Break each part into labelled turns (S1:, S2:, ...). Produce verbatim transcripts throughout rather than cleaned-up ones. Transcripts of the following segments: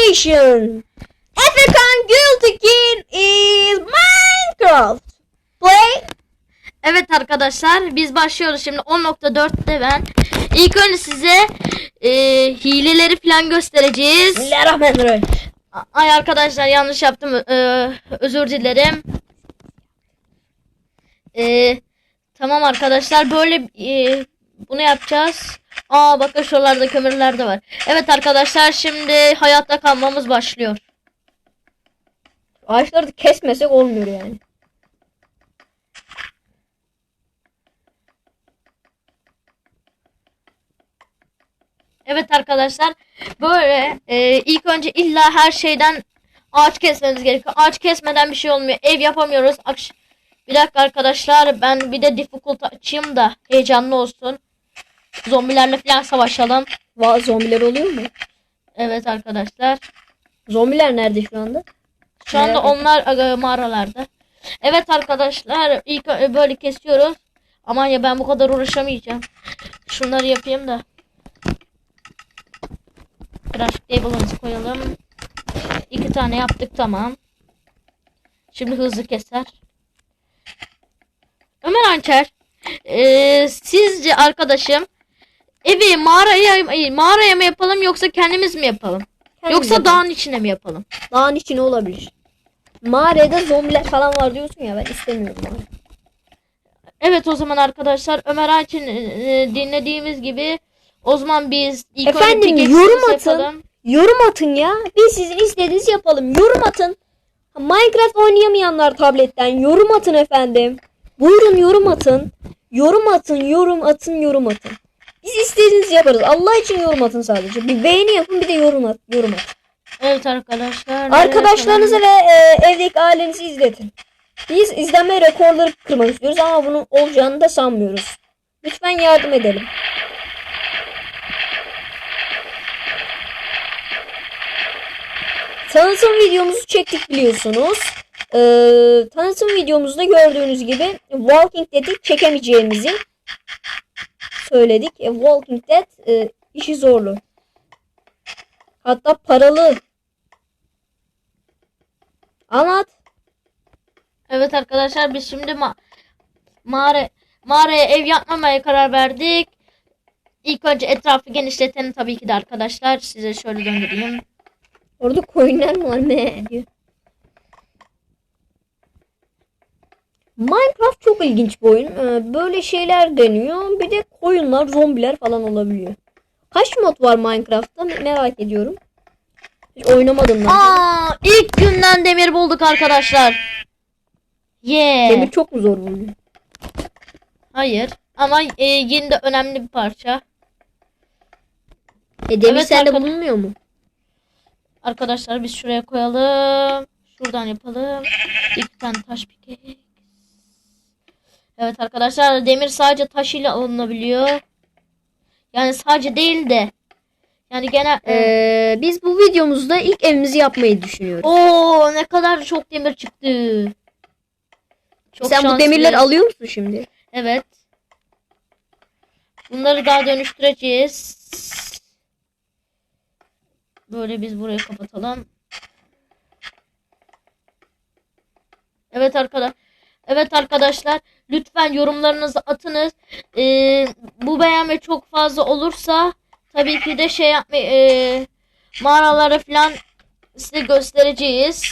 S1: Creation. African Guilty Gear is Minecraft. Play.
S2: Evet arkadaşlar, biz başlıyoruz şimdi. on nokta dörtte ben ilk önce size e, hileleri falan göstereceğiz.
S1: Bismillahirrahmanirrahim.
S2: Ay arkadaşlar, yanlış yaptım, e, özür dilerim. E, tamam arkadaşlar, böyle e, bunu yapacağız. Aa bakın, şuralarda kömürler de var. Evet arkadaşlar, şimdi hayatta kalmamız başlıyor.
S1: Ağaçları da kesmesek olmuyor yani.
S2: Evet arkadaşlar, böyle e, ilk önce illa her şeyden ağaç kesmemiz gerekiyor. Ağaç kesmeden bir şey olmuyor. Ev yapamıyoruz. Akş bir dakika arkadaşlar, ben bir de difficult açayım da heyecanlı olsun. Zombilerle falan savaşalım.
S1: Va zombiler oluyor mu?
S2: Evet arkadaşlar.
S1: Zombiler nerede şu anda?
S2: Şu anda onlar e, mağaralarda. Evet arkadaşlar, ilk ö- böyle kesiyoruz. Aman ya, ben bu kadar uğraşamayacağım. Şunları yapayım da. Craft table'ımızı koyalım. İki tane yaptık, tamam. Şimdi hızlı keser. Ömer Anker, ee, sizce arkadaşım evi mağaraya mağaraya mı yapalım yoksa kendimiz mi yapalım?
S1: Kendimiz
S2: yoksa
S1: yapalım.
S2: dağın içine mi yapalım?
S1: Dağın içine olabilir. Mağarada zombiler falan var diyorsun ya, ben istemiyorum abi.
S2: Evet, o zaman arkadaşlar, Ömer Anker'in e, dinlediğimiz gibi o zaman biz ilk önce
S1: Efendim,
S2: pickaxe'imizi
S1: yorum atın.
S2: yapalım.
S1: Yorum atın ya. Biz sizin istediğinizi yapalım. Yorum atın. Minecraft oynayamayanlar tabletten yorum atın efendim. Buyurun yorum atın. Yorum atın, yorum atın, yorum atın. Biz istediğinizi yaparız. Allah için yorum atın sadece. Bir beğeni yapın, bir de yorum at, yorum atın.
S2: Evet arkadaşlar.
S1: Arkadaşlarınıza ve e, evdeki ailenizi izletin. Biz izlenme rekorları kırmak istiyoruz ama bunun olacağını da sanmıyoruz. Lütfen yardım edelim. Tanıtım videomuzu çektik biliyorsunuz. Ee, tanıtım videomuzda gördüğünüz gibi Walking Dead'i çekemeyeceğimizi söyledik. E, Walking Dead e, işi zorlu. Hatta paralı. Anlat.
S2: Evet arkadaşlar, biz şimdi ma mağara mağaraya ev yapmamaya karar verdik. İlk önce etrafı genişletelim tabii ki de arkadaşlar. Size şöyle döndüreyim.
S1: Orada koyunlar mı var ne diyor. Minecraft çok ilginç bir oyun. Ee, böyle şeyler deniyor. Bir de koyunlar, zombiler falan olabiliyor. Kaç mod var Minecraft'ta merak ediyorum. Hiç oynamadım ben.
S2: Aa, ilk günden demir bulduk arkadaşlar. Yeah.
S1: Demir çok mu zor buluyor?
S2: Hayır. Ama e, yine de önemli bir parça.
S1: E demir
S2: Evet,
S1: sende
S2: arkadaş-
S1: bulunmuyor mu?
S2: Arkadaşlar biz şuraya koyalım. Şuradan yapalım. İki tane taş pike. Evet arkadaşlar, demir sadece taş ile alınabiliyor. Yani sadece değil de. Yani genel...
S1: Ee, biz bu videomuzda ilk evimizi yapmayı düşünüyoruz.
S2: Oo, ne kadar çok demir çıktı. Çok
S1: Sen bu
S2: şanslıyım.
S1: demirleri alıyor musun şimdi?
S2: Evet. Bunları daha dönüştüreceğiz. Böyle biz burayı kapatalım. Evet arkadaşlar. Evet arkadaşlar, lütfen yorumlarınızı atınız. Ee, bu beğenme çok fazla olursa tabii ki de şey yapmayı e, mağaraları falan size göstereceğiz.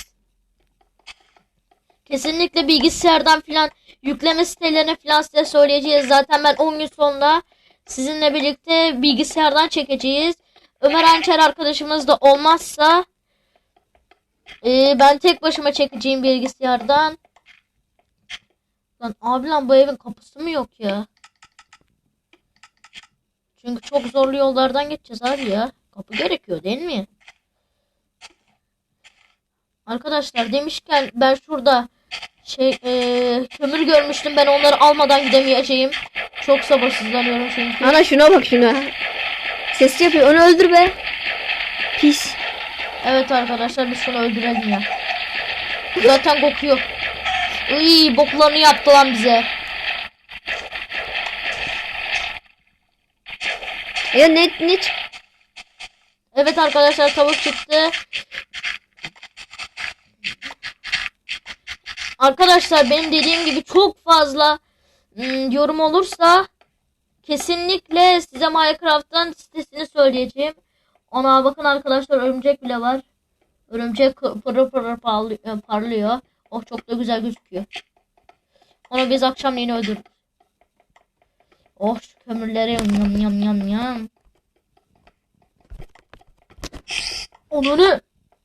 S2: Kesinlikle bilgisayardan falan yükleme sitelerine falan size söyleyeceğiz. Zaten ben on gün sonra sizinle birlikte bilgisayardan çekeceğiz. Ömer Ançer arkadaşımız da olmazsa e, ben tek başıma çekeceğim bilgisayardan. Lan abi, lan bu evin kapısı mı yok ya? Çünkü çok zorlu yollardan geçeceğiz abi ya. Kapı gerekiyor değil mi? Arkadaşlar demişken, ben şurada şey ee, kömür görmüştüm. Ben onları almadan gidemeyeceğim. Çok sabırsızlanıyorum çünkü.
S1: Ana şuna bak şuna. Ses yapıyor. Onu öldür be. Pis.
S2: Evet arkadaşlar, biz şunu öldürelim ya. Zaten kokuyor. Iy, boklarını yaptı lan bize.
S1: Ya ne ne
S2: Evet arkadaşlar, tavuk çıktı. Arkadaşlar benim dediğim gibi çok fazla ım, yorum olursa kesinlikle size Minecraft'tan sitesini söyleyeceğim. Ona bakın arkadaşlar, örümcek bile var. Örümcek pırır pırır parlıyor. parlıyor. Oh, çok da güzel gözüküyor. Onu biz akşamleyin öldürürüz. Oh, şu kömürleri yam yam yam yam. Onu ne?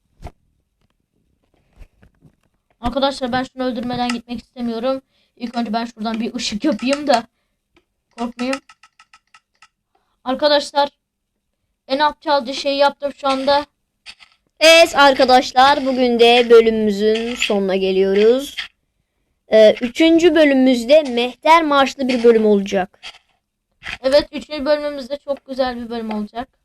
S2: Arkadaşlar ben şunu öldürmeden gitmek istemiyorum. İlk önce ben şuradan bir ışık yapayım da korkmayayım. Arkadaşlar en aptalca şeyi yaptım şu anda.
S1: Evet arkadaşlar, bugün de bölümümüzün sonuna geliyoruz. Ee, üçüncü bölümümüzde Mehter Marşlı bir bölüm olacak.
S2: Evet, üçüncü bölümümüzde çok güzel bir bölüm olacak.